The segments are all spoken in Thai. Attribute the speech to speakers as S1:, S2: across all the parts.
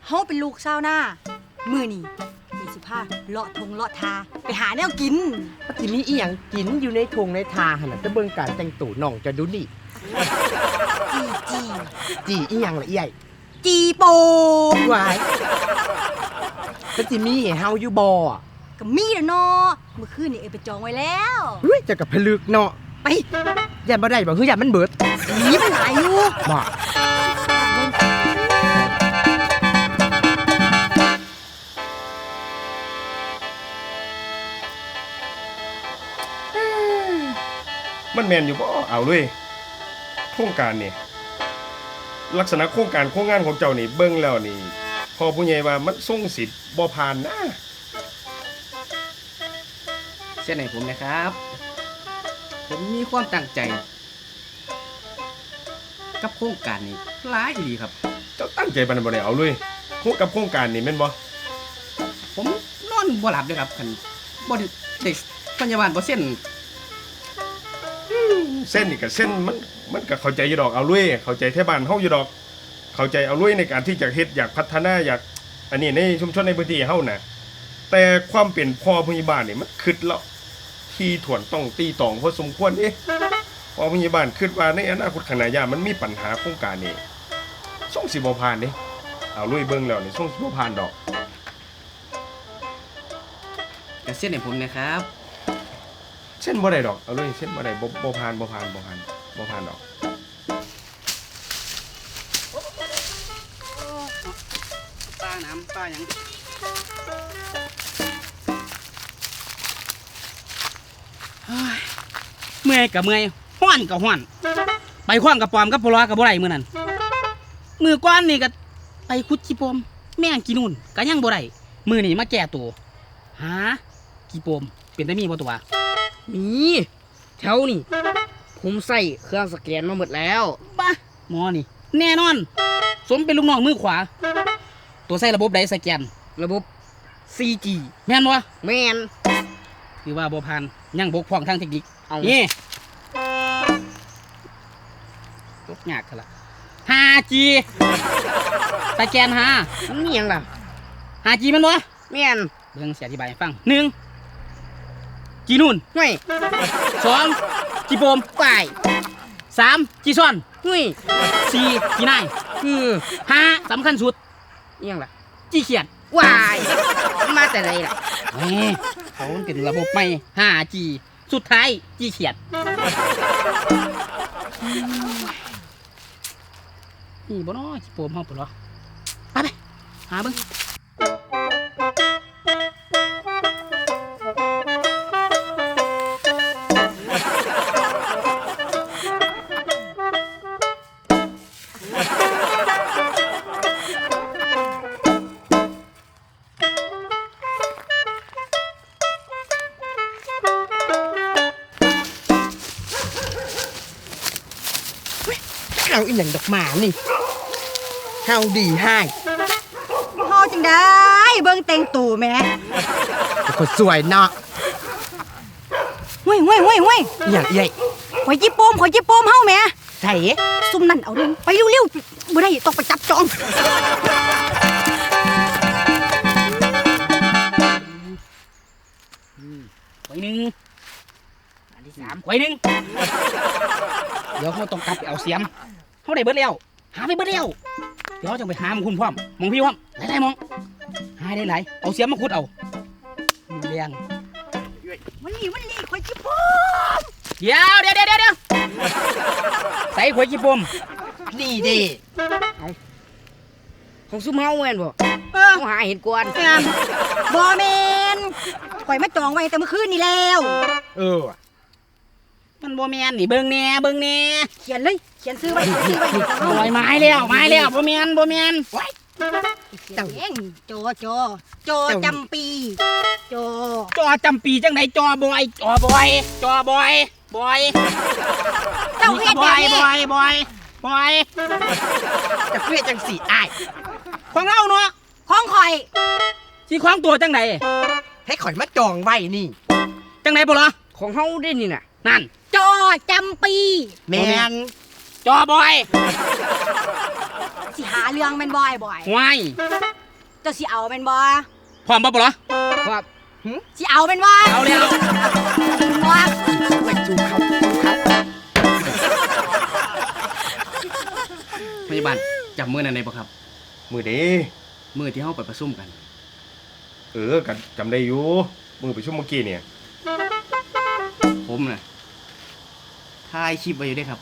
S1: เฮาเป็นลูกชาวนามื้อนี้มีสิพาเลาะทงเลาะทาไปหาแนวกิน
S2: ทีนี้อีหยังกินอยู่ในทงในทาหั่นน่ะจะเบิ่งการแต่งตัวน้องจะดูนี่จีอีหยังล่ะอีใหญ่
S1: จีโปม
S2: วายก็สิมีให้เฮาอยู่บ่
S1: ก็มีแล้วเนาะเมื่อคืนนี่ไปจองไว้แล้ว
S2: เฮ้ยจะกับผลึกเนาะ
S1: ไป
S2: อย่าบ่ได้บ่คืออย่ามันเบิด
S1: นี่มันหลายอยู่
S2: บ่
S3: มันแมนอยู่บ่เอาเลยโครงการนี่ลักษณะโครงการโครงงานของเจ้านี่เบิ่งแล้วนี่พอผู้ใหญ่ว่ามันส่งสิทธิ์บ่ผ่านนะ
S4: เส้นไหนผมนะครับผมมีความตั้งใจกับโครงการนี้หลายดีครับ
S3: เจ้าตั้งใจปานนั้นบ่ได้เอาเลยกับโครงการนี่แม่นบ่
S4: ผมนอนบ่หลับเลยครับคันบ่ได้พยาบาลบ่เส้น
S3: นี่ก็เส้นมันก็เข้าใจอยู่ดอกเอาลุยเข้าใจแท้บ้านเฮาอยู่ดอกเข้าใจเอาลุยในการที่จะเฮ็ดอยากพัฒนาอยากอันนี้ในชุมชนในพื้นที่เฮาน่ะแต่ความเป็นพ่อผู้ใหญ่บ้านนี่มันคิดแล้วที่ถ่วนต้องตีตองพอสมควรพ่อผู้ใหญ่บ้านคิดว่าในอนาคตข้างหน้ามันมีปัญหาโครงการนี้ส่งสิบ่ผ่านเด้เอาลุยเบิ่งแล้วนี่ส่งสิบ่ผ่านดอก
S4: แต่เส้นให้ผมนะครับ
S3: เส้นบ่ได้ดอกเอาเลยเส้นบ่ได้บ่ผ่านดอก
S4: ปลาน้ำปลาหยังเมื่อยกับเมื่อยห้อนกับห้อนไปคว้างกับปอมกับปลากับบ่ได้มื้อนั้นมือก้อนนี่ก็ไปขุดขี้ปมแม่งกินนู่นก็ยังบ่ได้มือนี่มาแก้ตัวหาขี้ปมเป็นได้มีบ่ตัว
S2: มีแถวนี่ผมใส่เครื่องสแกนมาหมดแล้ว
S4: บ้าหมอนี่แน่นอนสมเป็นลูกน้องมือขวาตัวใส่ระบบใดสแกน
S2: ระบบ 4G
S4: แม่นบ่
S2: แม่น
S4: คือว่าบ่ผ่านยังบกพร่องทางเทคนิคนี่ตกยากล่ะ 5G สแกน
S2: มันมีหยังล่ะ
S4: 5G แม่นบ่
S2: แม่น
S4: เบิ่งสิอธิบายให้ฟัง1จีนู่น
S2: ห่วย
S4: 2จีโปม
S2: ไป
S4: 3จีซ่อน
S2: ห่วย
S4: 4จีนาย5สำคัญสุด
S2: อีหยังล่ะ
S4: จีเขียด
S2: วายมาแต่ไหนล่ะ
S4: เขาเป็นระบบใหม่ 5G สุดท้ายจีเขียดนี่บ่น้อยจีโปมเฮาปะเหรอไปหาเบิ่ง
S2: เอาอีหยังดอกหมานี่เฮาดีให้
S1: เฮาจังได้เบิ่งแต่งตัวแม่
S2: คนสวยเนาะ
S1: ห้วย
S2: อีหยังใหญ่
S1: ข่อยจิโปมเฮาแม่
S2: ไส
S1: ซุ่มนั่นเอาเร็วไปเร็วๆบ่ได้ต้องไปจับจอง
S4: ไว้หนึ่งอันที่3ไว้หนึ่งเดี๋ยวเขาต้องกลับไปเอาเสียมเขาได้เบิดแล้วหาไปเบิดแล้วเดี๋ยวจะไปหามคุณพร้อมมองพี่พร้อมไหนมองหาได้หลายเอาเสียมมาขุดเอาเลี้ยง
S1: มันนี่ข่อยจิโปม
S4: เดี๋ยวใส่ข่อยจิโปม
S2: นี่ดิของซุ่มเฮาแม่นบ่ต้องหาเห็นก่อน
S1: บ่แม่นข่อยมาจองไว้แต่เมื่อคืนนี่แล้ว
S4: มันบ่แม่นนี่เบิ่งแน่
S1: เขียนเลยเขียนซื้อไว้
S4: ลอยไม้แล้วบ่แม่น
S1: เจ้าเองจอจำปี
S4: จอจำปีจังไดจอบอยเจ้า
S1: เฮ็ดแบบนี้
S4: บอย
S2: จะเฟี้ยจังสิอ้าย
S4: ของเราเนาะ
S1: ของข่อย
S4: สิของตัวจังได
S2: ให้ข่อยมาจองไว้นี่
S4: จังไดบ่ล่ะ
S2: ของเฮาได้นี่น่ะ
S4: นั่น
S1: จอจำปี
S2: แม่น
S4: จอบอย
S1: สิหาเรื่องแม่นบ่อย
S4: ว้าย
S1: เจ้าสิเอาแม่นบ่
S4: พร้อมบ่บ่เหรอ
S2: ครับ
S1: สิเอาแม่นบ่
S4: เอาแล้ว
S1: บ่
S2: ไปจูบเขา
S4: พยาบาลจำมื้อนั้นได้บ่ครับ
S3: มือเด้
S4: มื้อที่เฮาไปประชุมกัน
S3: กันจำได้อยู่มือไปชุ่มเมื่อกี้เนี่ย
S4: ผมน่ะถ่ายคลิปไว้อยู่เด้ครับ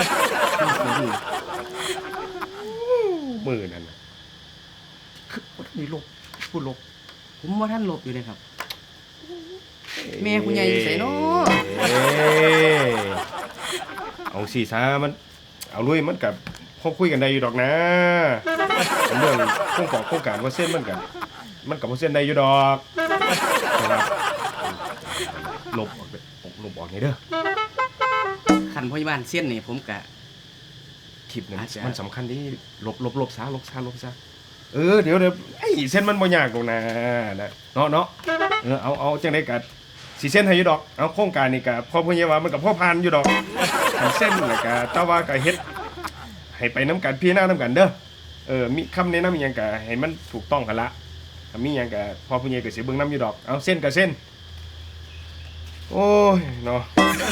S3: มือนั่นน่ะคือวันนี้ลบพูดลบ
S4: ผมว่าท่านหลบอยู่เลยครับ แม่คุณยายอยู่ไสเนาะ
S3: เอ้ยเอาสีซามัน เอาลุยมันกับพบคุยกันได้อยู่ดอกนะเรื่องโครงการว่าเส้นมันกับว่าเส้นได้อยู่ดอกแต่ว่าลบออกไปลบออกไงเด้อ
S4: คันพยาบาลเส้นนี่ผมกะ
S3: คลิปนั้น
S4: อาจจะ
S3: มันสำคัญที่ลบซะเดี๋ยวไอ้เส้นมันบ่ยากตรงนะเนาะเอาจังได้กัดสีเส้นให้อยู่ดอกเอาโครงการนี่กับพ่อพญาว่ามันกับพ่อพานอยู่ดอกอันเส้นแล้วก็แต่ว่าก็เฮ็ดให้ไปน้ำกันพี่หน้าน้ำกันเด้อมีคำแนะนำอหยังก็ให้มันถูกต้องกันละถ้ามีหยังก็พ่อพญาก็สิเบิ่งน้ำอยู่ดอกเอาเส้นกับเส้นโอ้ยเนาะ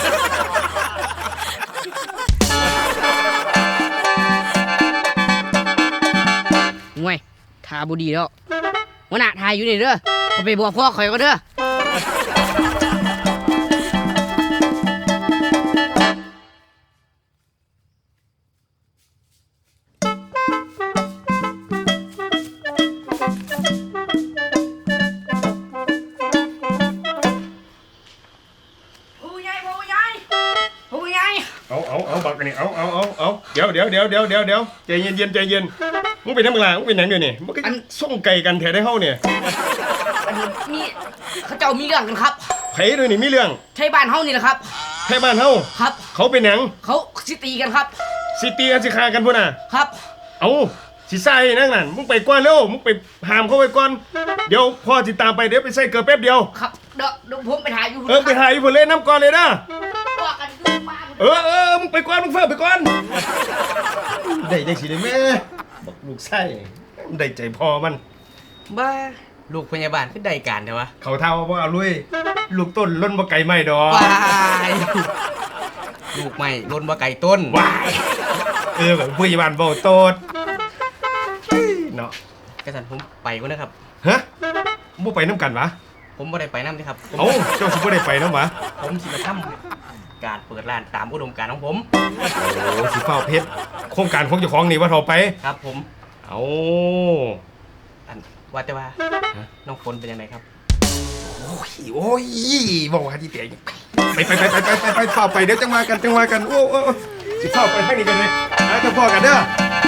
S2: ห่วยทาบุดีแล้วหัวหน้าทายอยู่นี่เด้อเขาไปบอกพ่อข่อยก็เด้อ
S4: ผู้ใหญ่ผู้ใหญ่
S3: เอาบักอันนี้เอาเดี๋ยวใจเย็นมึงเป็นน้ำกลางมึงเป็นหนังเดี๋ยวนี้มึงก็ส่งไก่กันแถได้เฮาเนี่ย
S2: อันนี้มีเขาเจ้ามีเรื่องกันครับ
S3: ไผด้วยนี่มีเรื่อง
S2: ใช่บ้านเฮานี่แหละครับ
S3: แค่บ้านเฮา
S2: ครับ
S3: เขาเป็นหนัง
S2: เขาสิตีกันครับ
S3: สิตีกันสิฆ่ากันพุ่นน่ะ
S2: ครับ
S3: เอาสิใส่นั่งนั่นมึงไปก่อนเร็วมึงไปหามเขาไปก่อนเดี๋ยวพ่อสิตามไปเดี๋ยวไปใส่เกลือแป๊บเดียว
S2: ครับเดี๋ยวผมไปถ่ายอยู่
S3: ไปถ่ายอยู่พุ่นเลยน้ำก่อนเลยนะ
S2: ว่ากันอยู่บ้าน
S3: มึงไปก่อนมึงเฝ้าไปก่อนได้จังสิได้แม่บอกลูกไส้ได้ใจพอมัน
S4: บ้าลูกพยาบาลขึ้นใดการเถอะวะ
S3: เขาเท่าว่าเอาลุยลูกต้นล้นบ่ไก่ไม่ดอก
S4: วายลูกใหม่ล้นบ่ไก่ต้น
S3: วายแบบผู้ใหญ่บ้านเบาโตดเนาะ
S4: กระสันผมไปก็นะครับ
S3: ฮะบ่ไปน้ำกันวะ
S4: ผมบ่ได้ไปน้ำนะครับ
S3: เอ้าเจ้าสิบ่ได้ไปน้ำวะ
S4: ผมสิมาทำการเปิดร้านตามอุดมการณ์ของผม
S3: โอ้สิเฝ้าเพชรโครงการของเจ้าของนี่ว่าเท่าไป
S4: ครับผม
S3: เอา
S4: อันว่าแต่ว่าน้องฝนเป็นยังไงครับ
S3: โอ้ยบอกว่าที่เตะไปเฝ้าไปเดี๋ยวจังมากันโอ้สิเฝ้าไปให้นี่กันเลยเจ้าพ่อกันเด้อ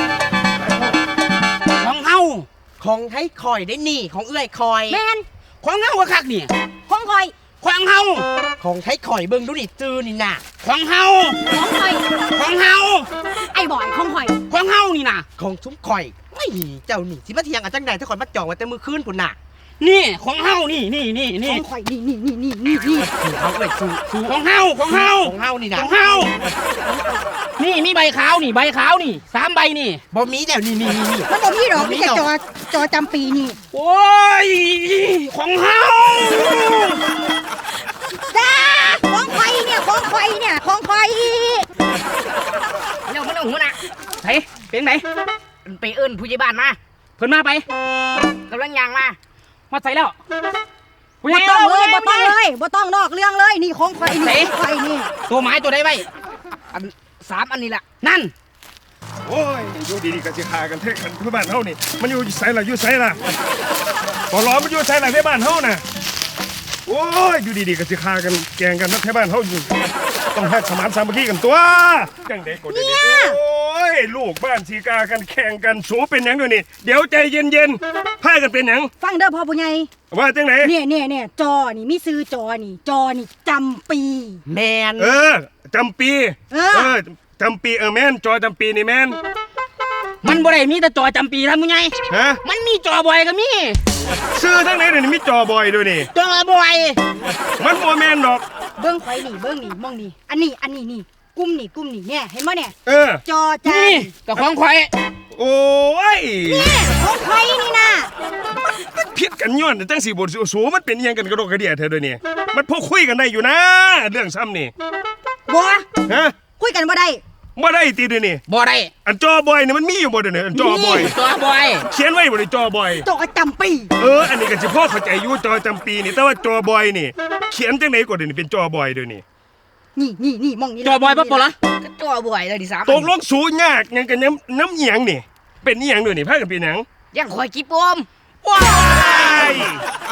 S4: ของเฮาของให้คอยได้นี่ของเอื้อยคอย
S1: แม่น
S4: ของเฮาอะคักนี่
S1: ของข่อย
S4: ของเฮาของให้คอยเบิ่งดูนี่จือนี่น่ะของเฮา
S1: ของข่อย
S4: ของเฮา
S1: ไอ้บ่อยของข่อย
S4: ของเฮานี่น่ะ
S5: ของซุ้มข่อยไม่เจ้านี่สิมาเทียงกันจังใดถ้าข่อยมาจองไว้แต่มือคืนพุ่นน่ะ
S4: นี่ของเฮานี่
S1: ของข่อยนี่
S5: เขาเอ้ยสู
S4: ของเฮาของเฮา
S5: ของเฮานี่
S4: ข
S5: นะ
S4: องเฮานี่มีใบขาวนี่ใบขาวนี่3ใบนี่
S5: บ่มีแล้วนี่
S1: มันบ่มีดอกมีแต่จอจำปีนี่
S4: โอ้ยของเฮา
S1: จ้าของข่อยเนี่ยของข่อย
S2: เร็วมันเอาหัวหน้า
S4: ไสเป็นไหน
S2: ไปเอิ้นผู้ใหญ่บ้านมา
S4: เพิ่นมาไป
S2: กำลังย่างมา
S4: มาใส่แล้ว
S1: บ่ต้องนอกเรื่องเลยนี่ของข่อยนี่ของข่อยนี่
S4: ตัวไม้ตัวใดไว้
S2: 3อันนี้ล่ะ
S4: นั่น
S3: โอ้ยอยู่ดีๆก็สิฆ่ากันเท่กันที่บ้านเฮานี่มันอยู่ไสล่ะพอล้อมันอยู่ไสล่ะที่บ้านเฮาน่ะโอ้ยอยู่ดีๆก็สิฆ่ากันแกงกันนักที่บ้านเฮาอยู่ต้องให้สมานสามัคคีกันตัวจังได๋ก็ได้โอ้ยลูกบ้านสีกากันแข่งกันสูเป็นหยังด้วยนี่เดี๋ยวใจเย็นๆพากันเป็นหยัง
S1: ฟังเด้อพ่อผู้ใหญ่
S3: ว่าจังไหน
S1: เนี่ยจอนี่มีซื้อจอนี่จำปี
S5: แมน
S3: จำปี จำปีแม่นจอจำปีนี่แม่น
S4: มันบ่ได้มีแต่จอจำปีท่านผู้ใหญ่
S3: ฮะ
S4: มันมีจอบอยก็มี
S3: ซื้อทั้งไหนเดี๋ยวนี้มีจอบอยด้วยนี่
S4: จอบอย
S3: มันบ่แม่นดอก
S1: เบิ้งข่อยนี่มองนี่อันนี้นี่กลุ่มนี่เนี่ยเห็นบ่เนี่ย จอจา
S4: นี่กับของข่อย
S3: โอ้ย
S1: เนี่ยของข่อยนี่นะ
S3: คิดกันย้อนจังสิบ่สูมันเป็นอิหยังกันกระโดดกระเดี่ยเธอเดี๋ยวนี้มันพอคุยกันได้อยู่นะเรื่องซ้ำนี่
S1: บัว
S3: ฮะ
S1: คุยกันบ่ได้
S3: บ่ได้ติเดี๋ยวนี้
S4: บ่ได้
S3: อันจอบอยเนี่ยมันมีอยู่บ่เดี๋ยวนี้อันจอบอย
S4: ตัวบอย
S3: เขียนไว้บ่ได้จอบอย
S1: โตจำปี
S3: อันนี้ก็สิพ่อเข้าใจอยู่จอจำปีนี่แต่ว่าจอบอยนี่ เขียนจังไดก็เดี๋ยวนี้เป็นจอบอยเดี๋ยวนี้
S1: นี่มองนี่
S4: จอบอยปั๊บปะล่ะ
S2: ก็ตัวบ่อยเลยดิ3
S3: ตกลงสูยากหยังกันน้ำเอียงนี่ เป็นอีหยังด้วยนี่พากันเป็นหยัง
S2: ยังข่อยกี่ปม
S3: ว้าย